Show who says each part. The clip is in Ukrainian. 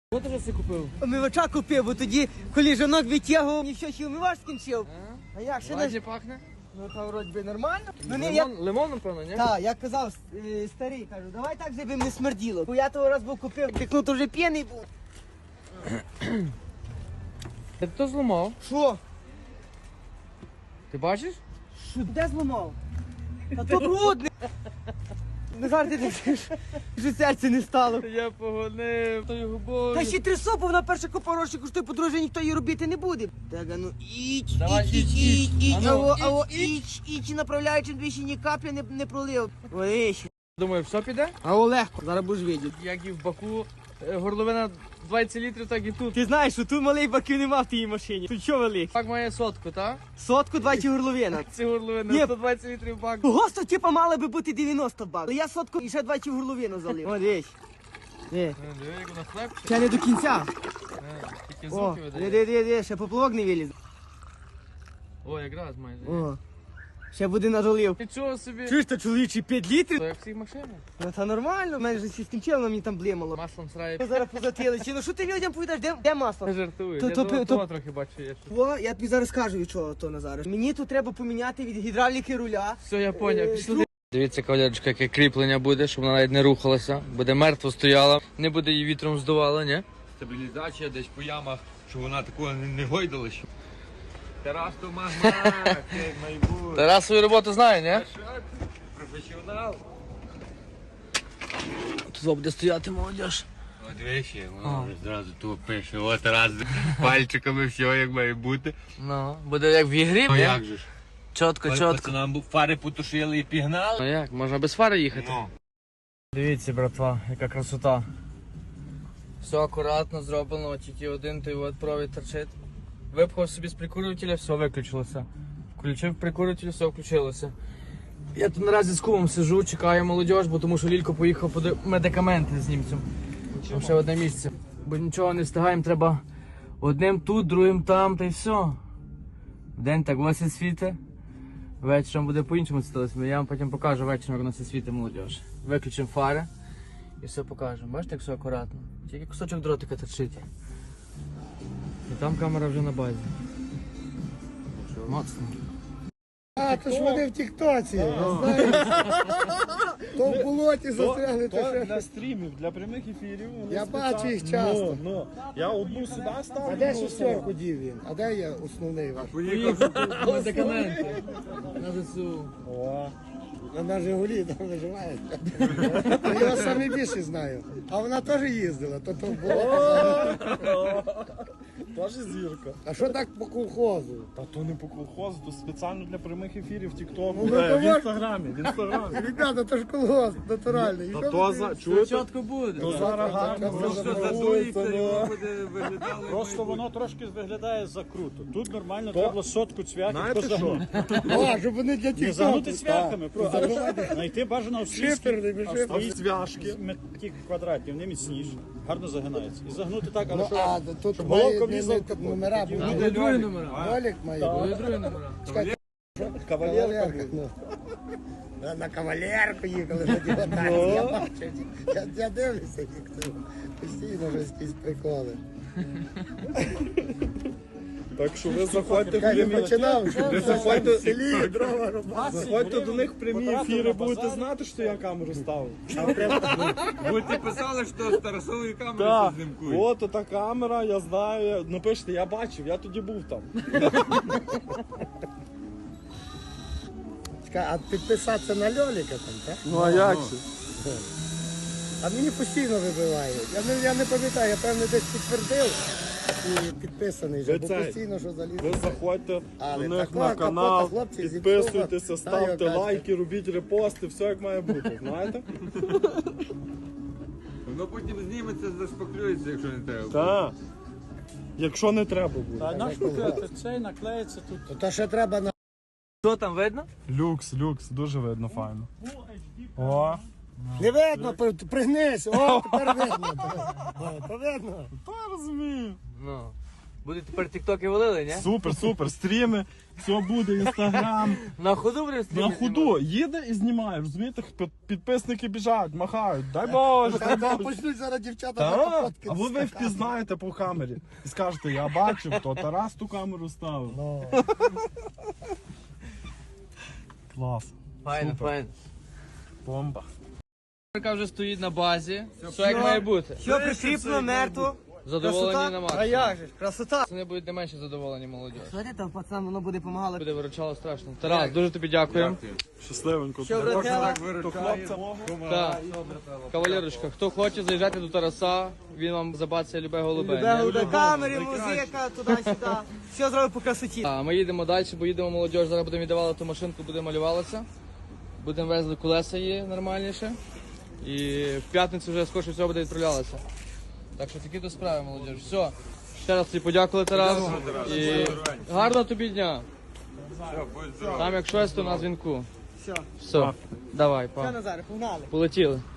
Speaker 1: Що ти вже все купив?
Speaker 2: Омивача купив, бо тоді, коли жінок витягував, ніщо ще омивач скінчив. А як, ще
Speaker 1: Ладні
Speaker 2: не...
Speaker 1: пахне?
Speaker 2: Ну, та вроді би нормально. Ну, не,
Speaker 1: Лимон, напевно, ні?
Speaker 2: Так, я казав, старий, кажу, давай так, щоб не смерділо. Бо я того раз був купив, тикнув, то вже п'яний був.
Speaker 1: Ти то зламав?
Speaker 2: Що?
Speaker 1: Ти бачиш?
Speaker 2: Що, де зламав? Та то брудне. Не жарти не що серце не стало.
Speaker 1: Я погонив тою губою.
Speaker 2: Та ще трясо, бо вона перша купа грошей коштує, по-друге, ніхто її робити не буде. Так, а ну, іч,
Speaker 1: Давай,
Speaker 2: іч,
Speaker 1: іч. А ну,
Speaker 2: аво,
Speaker 1: іч,
Speaker 2: іч, і направляючим двічі ні каплі не пролив. Ой, ще.
Speaker 1: Думаю, все піде?
Speaker 2: А легко, зараз будеш видіти.
Speaker 1: Як і в Баку, горловина 20 літрів, так і тут.
Speaker 2: Ти знаєш, що тут малий баків нема в тій машині. Тут що великий?
Speaker 1: Бак має сотку, так?
Speaker 2: Сотку, 20 горловина.
Speaker 1: Ці горловини,
Speaker 2: Ні.
Speaker 1: 120 літрів бак.
Speaker 2: Госто, типа, мали би бути 90 бак. Але я сотку і ще 20 горловину залив. О, дивись.
Speaker 1: Диви, як вона хлебче.
Speaker 2: Ще не до кінця.
Speaker 1: Тільки
Speaker 2: О,
Speaker 1: звуки видає.
Speaker 2: диви, ще поплавок не виліз.
Speaker 1: О, якраз майже.
Speaker 2: О, ще буде надолив.
Speaker 1: Нічого собі.
Speaker 2: Чуєш, то чоловічі 5 літрів?
Speaker 1: То як в цій машині.
Speaker 2: Ну та нормально, в мене ж скінчило, мені там блимало.
Speaker 1: Маслом срає.
Speaker 2: Зараз позатили. Чи ну що ти людям повідаєш, де масло?
Speaker 1: Не жартую.
Speaker 2: То-
Speaker 1: Я
Speaker 2: то-
Speaker 1: того
Speaker 2: то-
Speaker 1: трохи бачу є.
Speaker 2: О, я тобі зараз скажу, від чого то Назар. Мені тут треба поміняти від гідравліки руля.
Speaker 1: Все, я поняв. Пішли. Дивіться, кавалерочка, яке кріплення буде, щоб вона навіть не рухалася. Буде мертво стояла, не буде її вітром здувала, ні?
Speaker 3: Стабілізація десь по ямах, щоб вона такого не гойдала. Тарас то магнат, як майбутнє.
Speaker 1: Тарас свою роботу знає, ні?
Speaker 3: Професіонал.
Speaker 1: Тут буде стояти молодіж.
Speaker 3: От виші, воно вже зразу тут пише, от Тарас пальчиками все як має бути.
Speaker 1: Ну, буде як в ігрі,
Speaker 3: Ну
Speaker 1: ні?
Speaker 3: як же ж?
Speaker 1: Чотко,
Speaker 3: Коли
Speaker 1: чотко.
Speaker 3: пацанам фари потушили і пігнали.
Speaker 1: Ну як, можна без фари їхати?
Speaker 3: Ну.
Speaker 1: Дивіться, братва, яка красота. Все акуратно зроблено, тільки один той от провід торчить. Випхав собі з прикурювателя, все виключилося. Включив прикурюватель, все включилося. Я тут наразі з кумом сижу, чекаю молодіж, бо тому що Лілько поїхав по медикаменти з німцем. Там ще одне місце. Бо нічого не встигаємо, треба одним тут, другим там, та й все. Вдень так ось і світе. Вечором буде по-іншому сталося. Я вам потім покажу вечором, як у нас світи молодіж. Виключимо фари і все покажемо. Бачите, як все акуратно. Тільки кусочок дротика торчить. І там камера вже на базі. Моцно.
Speaker 4: А, то ж вони в тіктоці, знаєш. То в болоті застрягли, то
Speaker 5: То
Speaker 4: ще.
Speaker 5: для стрімів, для прямих ефірів. вони
Speaker 4: Я
Speaker 5: спеціально-
Speaker 4: бачу їх часто.
Speaker 5: Ну, я одну сюди ставлю.
Speaker 4: А де
Speaker 5: одну
Speaker 4: шестерку дів він? А де є основний ваш?
Speaker 1: Поїхав медикаменти на ЗСУ.
Speaker 5: О,
Speaker 4: На Жигулі там виживає. Я його самі більше знаю. А вона теж їздила, то було.
Speaker 5: теж зірка.
Speaker 4: А що так по колхозу?
Speaker 5: Та то не по колхозу, то спеціально для прямих ефірів в Тіктоку.
Speaker 4: Ну, то
Speaker 5: В
Speaker 4: можна.
Speaker 5: інстаграмі, в інстаграмі.
Speaker 4: Ребята, то ж колгосп натуральний. І
Speaker 5: Та
Speaker 4: що
Speaker 5: то
Speaker 4: ви
Speaker 5: за,
Speaker 4: дивитесь?
Speaker 5: чуєте?
Speaker 1: Чітко буде.
Speaker 5: То зараз гарно
Speaker 4: Що
Speaker 5: розшифровується, ну.
Speaker 3: буде виглядало.
Speaker 5: Просто воно трошки виглядає закруто. Тут нормально треба було сотку цвяхів позагнути.
Speaker 4: О, щоб вони для
Speaker 5: Не
Speaker 4: тіктоку.
Speaker 5: загнути цвяхами, просто знайти бажано
Speaker 4: Шиферний,
Speaker 5: австрійські
Speaker 4: шиферний.
Speaker 5: ті квадратні, вони міцніші, гарно загинаються. І загнути так, але
Speaker 4: Ну,
Speaker 5: що,
Speaker 4: а тут
Speaker 5: щоб
Speaker 4: має
Speaker 5: головка
Speaker 4: не
Speaker 5: влізла в капот.
Speaker 4: номера
Speaker 5: Тоді
Speaker 4: будуть.
Speaker 1: Буде другі номера.
Speaker 4: Ролик має бути.
Speaker 1: Буде другі номера.
Speaker 5: Кавалерка буде.
Speaker 4: Ну. На кавалерку їхали на дівотарі. Я бачу. Я дивлюся їх тут. Постійно вже якісь приколи.
Speaker 5: Так що ви заходьте в
Speaker 4: Хай не
Speaker 5: прямі
Speaker 4: починав, що
Speaker 5: Ви
Speaker 4: в
Speaker 5: заходьте-
Speaker 4: селі дрова рубати.
Speaker 5: Заходьте до них в прямі ефіри, будете знати, що я камеру ставив.
Speaker 3: Бо ти писали, що з Тарасової камери
Speaker 5: Так,
Speaker 3: це знімкує.
Speaker 5: от та камера, я знаю. Напишіть, я бачив, я тоді був там.
Speaker 4: Чекай, а підписатися на Льоліка там, так?
Speaker 5: Ну а як же?
Speaker 4: А мені постійно вибивають. Я не пам'ятаю, я певно десь підтвердив і підписаний вже,
Speaker 5: Ви
Speaker 4: бо
Speaker 5: це-
Speaker 4: постійно що заліз.
Speaker 5: Ви заходьте
Speaker 4: Але
Speaker 5: до них
Speaker 4: такого
Speaker 5: на
Speaker 4: капота,
Speaker 5: канал,
Speaker 4: хлопці,
Speaker 5: підписуйтеся,
Speaker 4: зіпсував.
Speaker 5: ставте
Speaker 4: Та, яка
Speaker 5: лайки, робіть репости, все як має бути, знаєте?
Speaker 3: Воно потім зніметься, зашпаклюється, якщо не треба.
Speaker 5: Так. Якщо не треба буде.
Speaker 4: А наш
Speaker 5: цей наклеїться тут.
Speaker 4: То ще треба на
Speaker 1: Що там видно?
Speaker 5: Люкс, дуже видно, файно. О,
Speaker 4: не видно, пригнись. О, тепер видно. О, то видно.
Speaker 5: та розумію.
Speaker 1: Ну. Буде тепер тіктоки валили, ні?
Speaker 6: Супер, стріми, все буде, інстаграм.
Speaker 1: На ходу будемо
Speaker 6: На
Speaker 1: стріми
Speaker 6: ходу їде і знімає, розумієте? Підписники біжать, махають, дай Боже.
Speaker 4: Та почнуть зараз дівчата
Speaker 6: Так,
Speaker 4: фотки.
Speaker 6: або ви впізнаєте по камері і скажете, я бачив, то Тарас ту камеру ставив. Клас,
Speaker 1: Файно,
Speaker 6: Супер.
Speaker 1: файно.
Speaker 6: бомба.
Speaker 1: Яка вже стоїть на базі. Все як має бути.
Speaker 2: Що прикріплено, мертво.
Speaker 1: Задоволені
Speaker 2: Красота?
Speaker 1: на
Speaker 2: А
Speaker 1: максимум.
Speaker 2: як же ж, красота.
Speaker 1: Вони будуть не менше задоволені, молодь.
Speaker 2: Що ти там, пацан, воно буде помагало.
Speaker 1: Буде виручало страшно. Тарас, дуже тобі дякуємо.
Speaker 6: Щасливенько.
Speaker 2: Що, братела?
Speaker 6: То хлопця мого.
Speaker 1: Так. Кавалерочка, хто хоче, заїжджати до Тараса, він вам забацає любе голубе.
Speaker 2: Любе
Speaker 1: ні?
Speaker 2: голубе, камери, музика, туди-сюди. Все зробив по красоті.
Speaker 1: А ми їдемо далі, бо їдемо молодь, зараз будемо віддавати ту машинку, буде малювалася. Будемо везли колеса її нормальніше. І в п'ятницю вже скоріше всього буде відправлялася. Так що такі то справи, молодь. Все. Ще раз тобі подякували, Тарас. І гарного тобі дня. Там як щось, то на дзвінку.
Speaker 2: Все.
Speaker 1: Все. Давай,
Speaker 2: Все,
Speaker 1: па.
Speaker 2: Назаре, погнали.
Speaker 1: Полетіли.